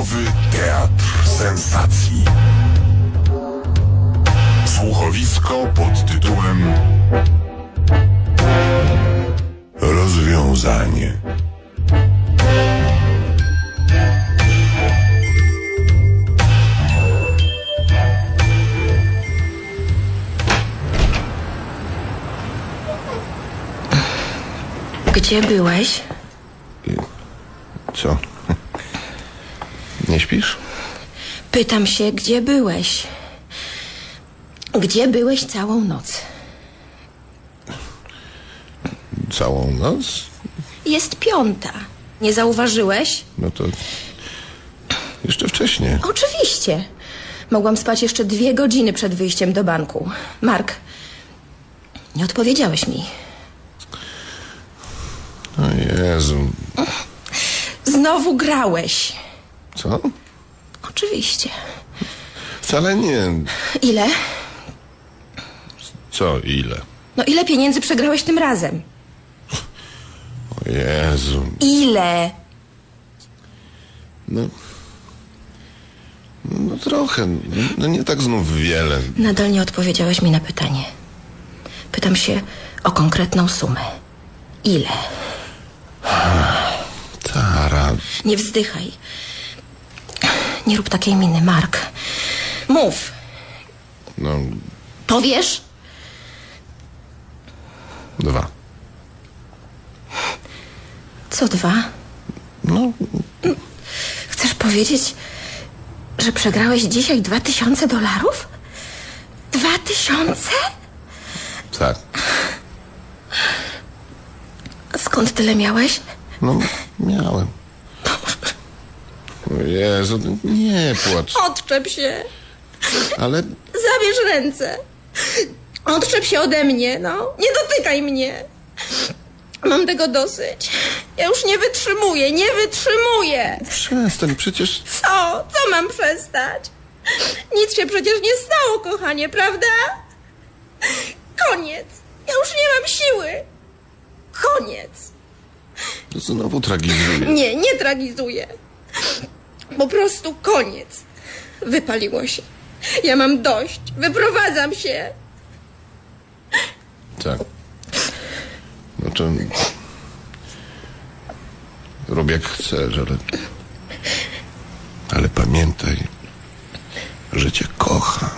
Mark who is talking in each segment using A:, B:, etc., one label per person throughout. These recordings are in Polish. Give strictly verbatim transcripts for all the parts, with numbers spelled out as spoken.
A: Nowy teatr sensacji. Słuchowisko pod tytułem Rozwiązanie.
B: Gdzie byłeś?
C: Co? Nie śpisz?
B: Pytam się, gdzie byłeś? Gdzie byłeś całą noc?
C: Całą noc?
B: Jest piąta. Nie zauważyłeś?
C: No to jeszcze wcześniej.
B: Oczywiście. Mogłam spać jeszcze dwie godziny przed wyjściem do banku. Mark, nie odpowiedziałeś mi.
C: O Jezu.
B: Znowu grałeś.
C: Co?
B: Oczywiście.
C: Wcale nie.
B: Ile?
C: Co, ile?
B: No ile pieniędzy przegrałeś tym razem?
C: O Jezu.
B: Ile?
C: No... No trochę. No nie tak znów wiele.
B: Nadal nie odpowiedziałeś mi na pytanie. Pytam się o konkretną sumę. Ile?
C: Tara.
B: Nie wzdychaj. Nie rób takiej miny, Mark. Mów.
C: No,
B: Powiesz?
C: dwa.
B: Co dwa?
C: No,
B: Chcesz powiedzieć, że przegrałeś dzisiaj dwa tysiące dolarów? Dwa tysiące?
C: tak.
B: Skąd tyle miałeś?
C: No, miałem. O Jezu, nie płacz.
B: Odczep się.
C: Ale
B: Zabierz ręce. Odczep się ode mnie, no. Nie dotykaj mnie. Mam tego dosyć. Ja już nie wytrzymuję, nie wytrzymuję.
C: przestań, przecież...
B: Co? Co mam przestać? Nic się przecież nie stało, kochanie, prawda? Koniec. Ja już nie mam siły. Koniec.
C: To znowu tragizuje.
B: Nie, nie tragizuję. Po prostu koniec. Wypaliło się. Ja mam dość. Wyprowadzam się.
C: Tak. No to... Rób jak chcesz, ale... Ale pamiętaj, że cię kocham.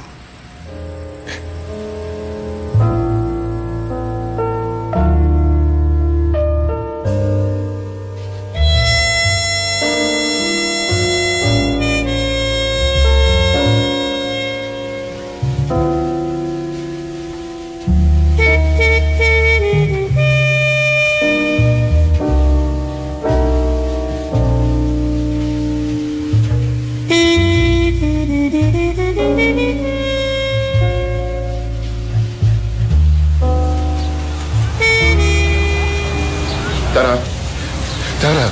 C: Tara, Tara,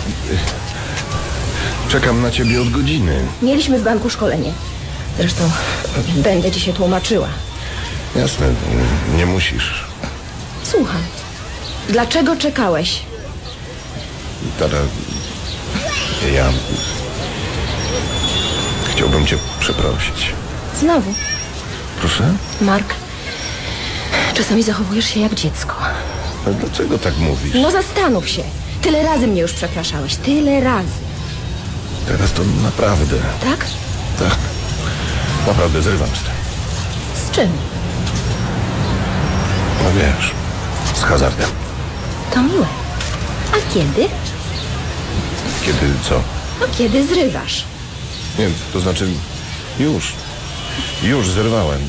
C: czekam na ciebie od godziny.
B: Mieliśmy w banku szkolenie. Zresztą będę ci się tłumaczyła.
C: Jasne, nie musisz.
B: Słucham. Dlaczego czekałeś?
C: Tara, ja... Chciałbym cię przeprosić.
B: Znowu.
C: Proszę?
B: Mark, czasami zachowujesz się jak dziecko.
C: A dlaczego tak mówisz?
B: No zastanów się. Tyle razy mnie już przepraszałeś. Tyle razy.
C: Teraz to naprawdę...
B: Tak?
C: Tak. Naprawdę zrywam z tym.
B: Z czym?
C: No wiesz, z hazardem.
B: To miłe. A kiedy?
C: Kiedy co?
B: No kiedy zrywasz?
C: Nie, to znaczy już. Już zerwałem.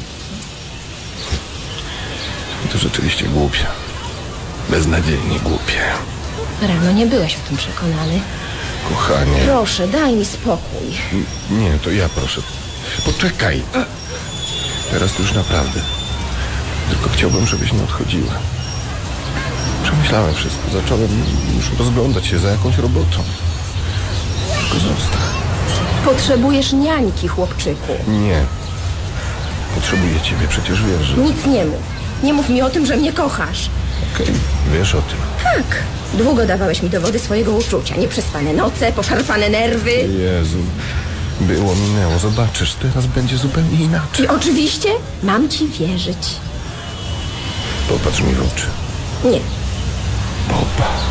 C: To rzeczywiście głupie. Beznadziejnie głupie.
B: Rano nie byłeś o tym przekonany.
C: Kochanie.
B: Proszę, daj mi spokój.
C: N- Nie, to ja proszę. Poczekaj. Teraz to już naprawdę. Tylko chciałbym, żebyś nie odchodziła. Przemyślałem wszystko. Zacząłem już rozglądać się za jakąś robotą. Tylko zostań.
B: Potrzebujesz niańki, chłopczyku.
C: Nie. Potrzebuję ciebie, przecież wiesz, że...
B: Nic nie mów. Nie mów mi o tym, że mnie kochasz.
C: Okej, wiesz o tym.
B: Tak. Długo dawałeś mi dowody swojego uczucia. Nieprzespane noce, poszarpane nerwy.
C: Jezu. Było, minęło. Zobaczysz, teraz będzie zupełnie inaczej.
B: I oczywiście mam ci wierzyć.
C: Popatrz mi w oczy.
B: Nie,
C: Popatrz.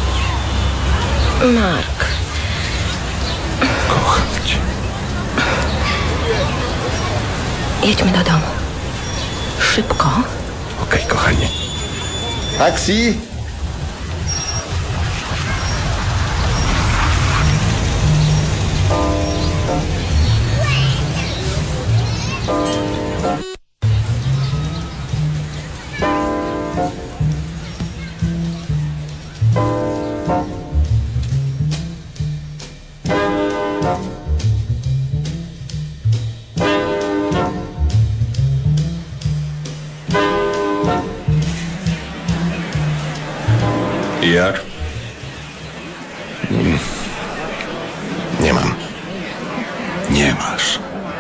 B: Mark.
C: Kocham cię.
B: Jedźmy do domu. Szybko.
C: Okej, kochanie. Taksi!
A: Jak?
C: Nie mam.
A: Nie masz.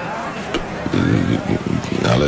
C: Ale...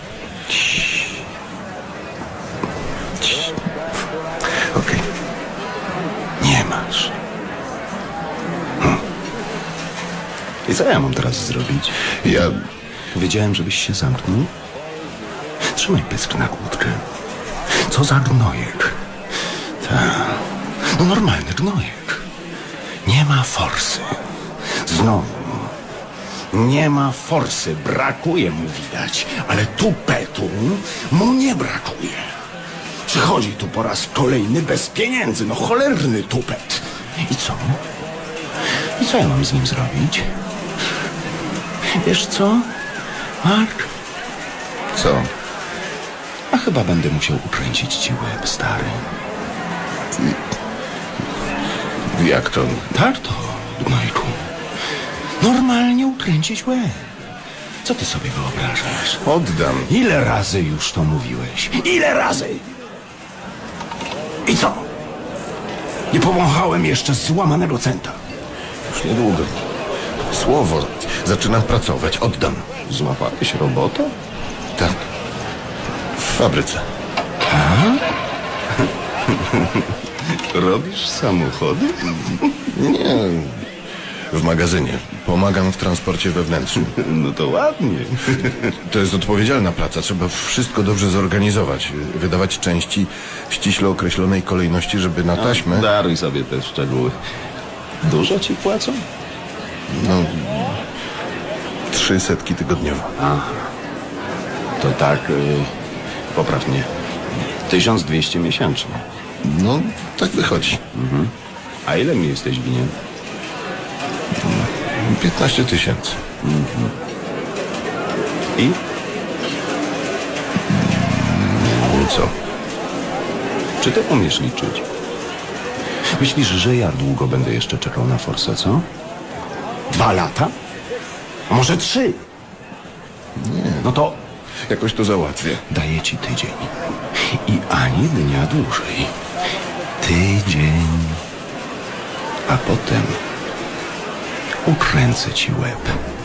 C: Okej.
A: Nie masz. Hm. I co ja mam teraz zrobić?
C: Ja...
A: Wiedziałem, żebyś się zamknął. Trzymaj pysk na kłódkę. Co za gnojek. Ta. No normalny gnojek. Nie ma forsy. Znowu. Nie ma forsy. Brakuje mu widać. Ale tupetu mu nie brakuje. Przychodzi tu po raz kolejny bez pieniędzy. No cholerny tupet. I co? I co ja mam z nim zrobić? Wiesz co, Mark?
C: Co?
A: A chyba będę musiał ukręcić ci łeb, stary.
C: Jak to?
A: Tak to, gnojku. Normalnie ukręcić łeb. Co ty sobie wyobrażasz?
C: Oddam.
A: Ile razy już to mówiłeś? Ile razy? I co? Nie powąchałem jeszcze złamanego centa.
C: Już niedługo. Słowo. Zaczynam pracować. Oddam.
A: Złapałeś robotę?
C: Tak. W fabryce.
A: Robisz samochody?
C: Nie. W magazynie. Pomagam w transporcie wewnętrznym.
A: No to ładnie.
C: To jest odpowiedzialna praca. Trzeba wszystko dobrze zorganizować. Wydawać części w ściśle określonej kolejności, żeby na taśmę...
A: Daruj sobie te szczegóły. Dużo ci płacą?
C: No... Trzy setki tygodniowo.
A: To tak, yy, popraw mnie. tysiąc dwieście miesięcznie.
C: No, tak wychodzi.
A: A ile mi jesteś winien?
C: piętnaście tysięcy.
A: I?
C: Co?
A: Czy ty umiesz liczyć? Myślisz, że ja długo będę jeszcze czekał na forsę, co? Dwa lata? A może trzy?
C: Nie.
A: No to
C: Jakoś to załatwię.
A: daję ci tydzień. I ani dnia dłużej. Tydzień. A potem ukręcę ci łeb.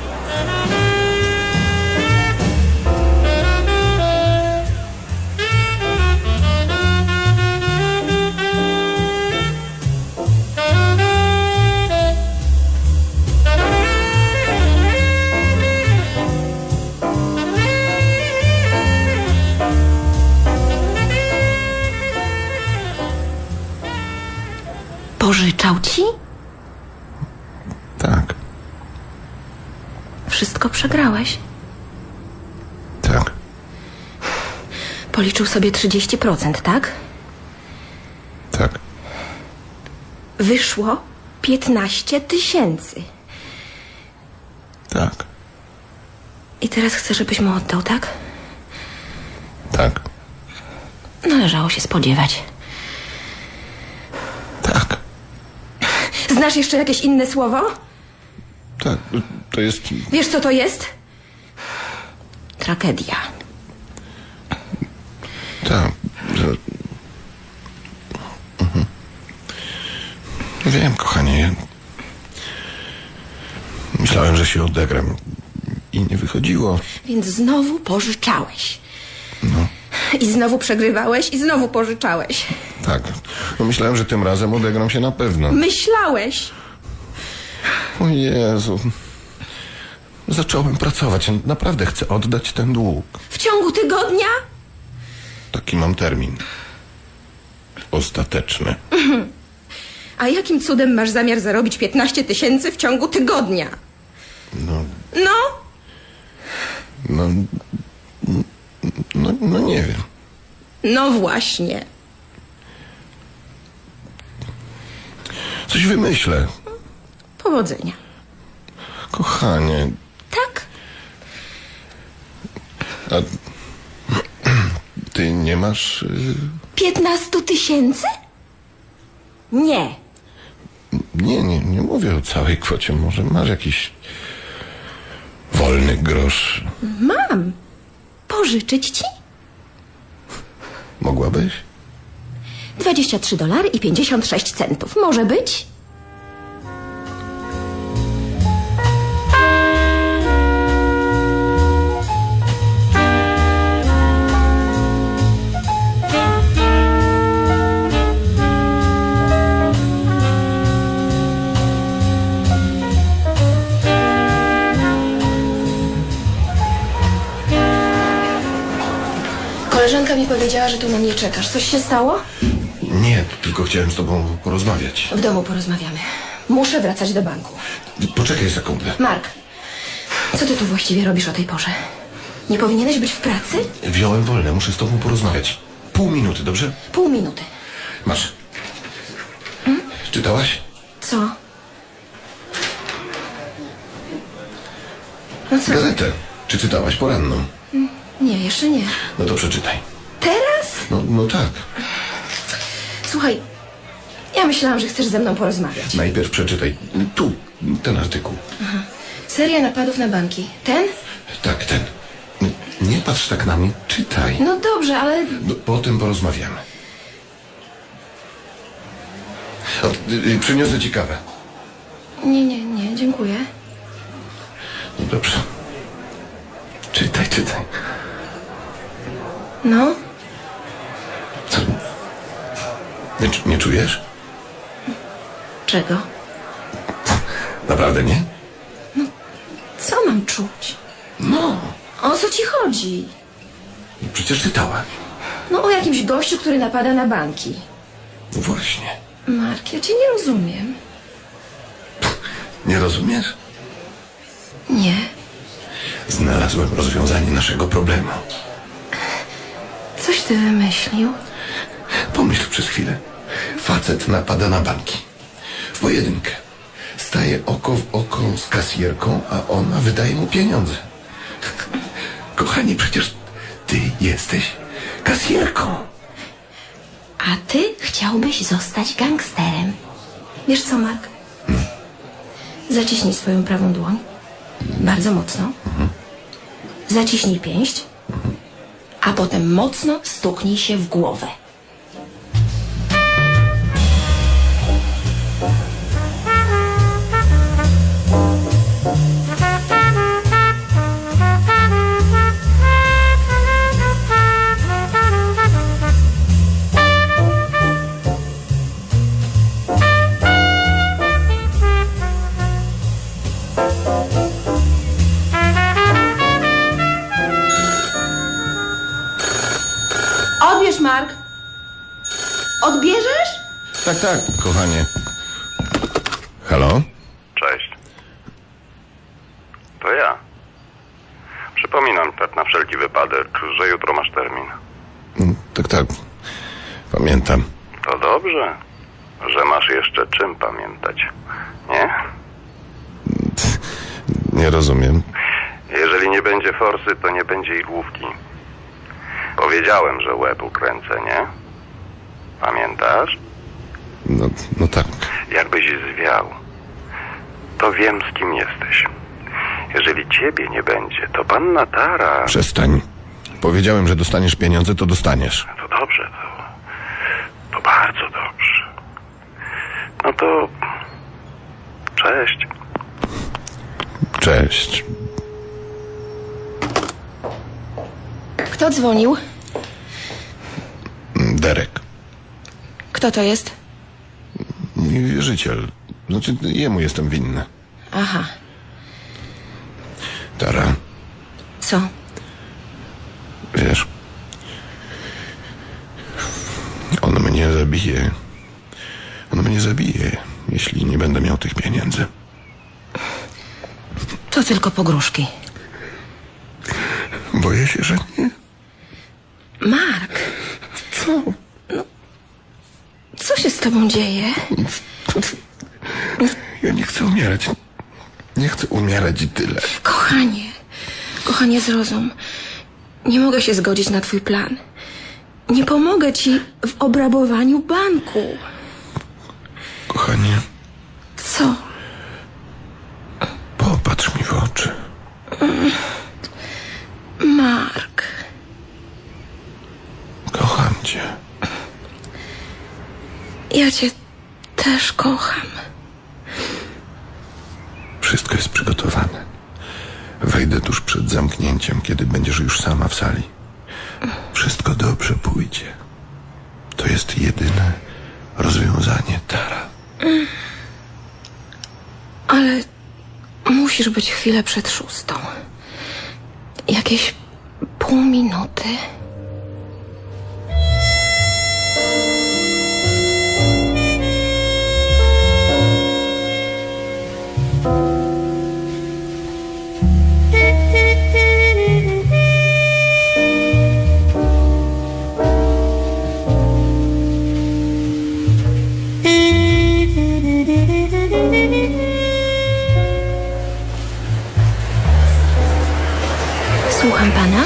B: Pożyczał ci?
C: Tak.
B: Wszystko przegrałeś.
C: Tak.
B: Policzył sobie trzydzieści procent, tak?
C: Tak.
B: Wyszło piętnaście tysięcy.
C: Tak.
B: I teraz chcę, żebyś mu oddał, tak?
C: Tak.
B: Należało się spodziewać.
C: Tak.
B: Znasz jeszcze jakieś inne słowo?
C: Tak. To jest...
B: Wiesz, co to jest? Tragedia.
C: Tak. Że... Mhm. Wiem, kochanie. Ja... Myślałem, że się odegram. I nie wychodziło.
B: Więc znowu pożyczałeś.
C: No.
B: I znowu przegrywałeś i znowu pożyczałeś.
C: Tak. No myślałem, że tym razem odegram się na pewno.
B: Myślałeś.
C: O Jezu. zacząłem pracować. Naprawdę chcę oddać ten dług.
B: W ciągu tygodnia?
C: Taki mam termin. Ostateczny.
B: A jakim cudem masz zamiar zarobić piętnaście tysięcy w ciągu tygodnia?
C: No,
B: No,
C: no, no, no nie wiem.
B: no właśnie.
C: Coś wymyślę.
B: Powodzenia.
C: Kochanie,
B: Tak?
C: a ty nie masz... y,
B: Piętnastu tysięcy? Nie.
C: Nie, nie, nie mówię o całej kwocie. Może masz jakiś wolny grosz.
B: Mam. Pożyczyć ci?
C: Mogłabyś?
B: Dwadzieścia trzy dolary i pięćdziesiąt sześć centów. Może być? Koleżanka mi powiedziała, że tu na mnie czekasz. Coś się stało?
C: Nie, tylko chciałem z tobą porozmawiać.
B: W domu porozmawiamy. Muszę wracać do banku.
C: Poczekaj sekundę.
B: Mark, co ty tu właściwie robisz o tej porze? Nie powinieneś być w pracy?
C: Wziąłem wolne, muszę z tobą porozmawiać. Pół minuty, dobrze?
B: Pół minuty.
C: Masz. Hmm? Czytałaś?
B: Co? No co?
C: Gazetę. Czy czytałaś poranną?
B: Nie, jeszcze nie.
C: No to przeczytaj.
B: Teraz?
C: No, no tak.
B: Słuchaj, ja myślałam, że chcesz ze mną porozmawiać.
C: Najpierw przeczytaj. Tu, ten artykuł.
B: Seria napadów na banki. Ten?
C: Tak, ten. N- Nie patrz tak na mnie, czytaj.
B: No dobrze, ale...
C: No, potem porozmawiamy. O, y, y, przyniosę ci kawę.
B: Nie, nie, nie, dziękuję.
C: No dobrze. Czytaj, czytaj.
B: No,
C: Co? Nie, czu- nie czujesz?
B: czego?
C: Naprawdę nie?
B: Co mam czuć?
C: No.
B: O co ci chodzi?
C: Przecież czytałaś.
B: No o jakimś gościu, który napada na banki.
C: No właśnie.
B: Mark, ja cię nie rozumiem.
C: Nie rozumiesz?
B: Nie.
C: Znalazłem rozwiązanie naszego problemu.
B: Coś ty wymyślił?
C: Pomyśl przez chwilę. Facet napada na banki. W pojedynkę. Staje oko w oko z kasjerką, a ona wydaje mu pieniądze. Kochanie, przecież ty jesteś kasjerką.
B: A ty chciałbyś zostać gangsterem. Wiesz co, Mark? Zaciśnij swoją prawą dłoń. Bardzo mocno. Zaciśnij pięść. A potem mocno stuknij się w głowę. Odbierz, Mark. Odbierzesz?
C: Tak, tak, kochanie. Halo?
D: Cześć. To ja. Przypominam tak na wszelki wypadek, że jutro masz termin.
C: Mm, Tak, tak. Pamiętam.
D: To dobrze, że masz jeszcze czym pamiętać, nie?
C: Nie rozumiem.
D: Jeżeli nie będzie forsy, to nie będzie i główki. Powiedziałem, że łeb ukręcę, nie? Pamiętasz?
C: No, no tak.
D: Jakbyś zwiał, to wiem, z kim jesteś. Jeżeli ciebie nie będzie, to panna Tara...
C: Przestań. Powiedziałem, że dostaniesz pieniądze, to dostaniesz.
D: To dobrze, to... To bardzo dobrze. No to... Cześć.
C: Cześć.
B: Kto dzwonił?
C: Derek.
B: Kto to jest?
C: Mój wierzyciel. Znaczy, jemu jestem winny.
B: Aha.
C: Tara,
B: Co?
C: wiesz, on mnie zabije. On mnie zabije, jeśli nie będę miał tych pieniędzy.
B: To tylko pogróżki.
C: Boję się, że nie.
B: Mark,
C: Co?
B: co się z tobą dzieje?
C: Ja nie chcę umierać. Nie chcę umierać i tyle.
B: Kochanie, kochanie, zrozum. Nie mogę się zgodzić na twój plan. Nie pomogę ci w obrabowaniu banku.
C: Kochanie,
B: Co?
C: popatrz mi w oczy.
B: Mark,
C: Kocham cię.
B: ja cię też kocham.
C: Wszystko jest przygotowane. Wejdę tuż przed zamknięciem, kiedy będziesz już sama w sali. Wszystko dobrze pójdzie. To jest jedyne rozwiązanie, Tara.
B: Ale musisz być chwilę przed szóstą. Jakieś pół minuty. Słucham pana?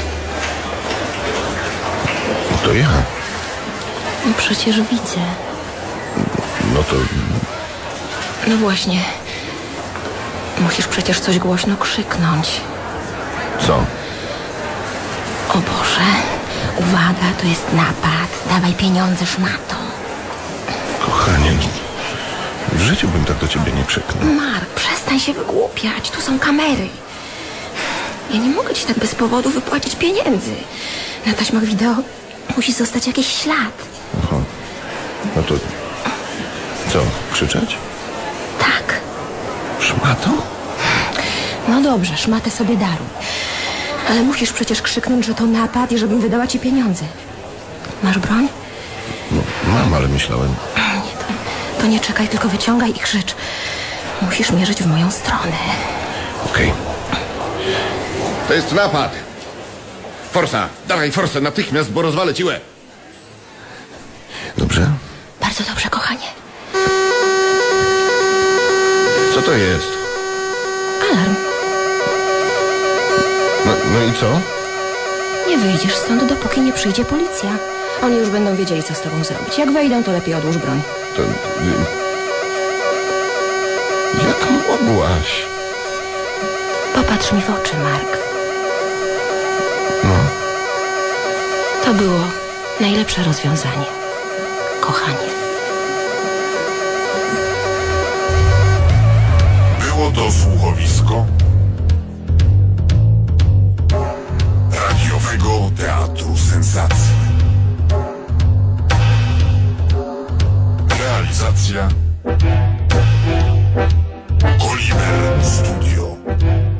C: To ja.
B: No przecież widzę.
C: No to
B: No właśnie. Musisz przecież coś głośno krzyknąć.
C: co?
B: O Boże, uwaga, to jest napad. Dawaj pieniądze, szmato.
C: Kochanie, w życiu bym tak do ciebie nie krzyknął.
B: Mark, przestań się wygłupiać. Tu są kamery. Ja nie mogę ci tak bez powodu wypłacić pieniędzy. Na taśmach wideo musi zostać jakiś ślad.
C: Aha. No to co, krzyczeć?
B: Tak.
C: Szmatą?
B: No dobrze, szmatę sobie daruj. Ale musisz przecież krzyknąć, że to napad i żebym wydała ci pieniądze. Masz broń?
C: No, mam, ale myślałem.
B: Nie, to, to nie czekaj, tylko wyciągaj i krzycz. Musisz mierzyć w moją stronę.
C: Okej. To jest napad. Forsa, dawaj forsę natychmiast, bo rozwalę ci łeb. Dobrze?
B: Bardzo dobrze, kochanie.
C: Co to jest?
B: Alarm.
C: No, no i co?
B: Nie wyjdziesz stąd, dopóki nie przyjdzie policja. Oni już będą wiedzieli, co z tobą zrobić. Jak wejdą, to lepiej odłóż broń.
C: To... y, Jak mogłaś?
B: Popatrz mi w oczy, Mark.
C: No,
B: To było najlepsze rozwiązanie. Kochanie.
E: Było to słuchowisko radiowego teatru sensacji. Realizacja Oliver Studio.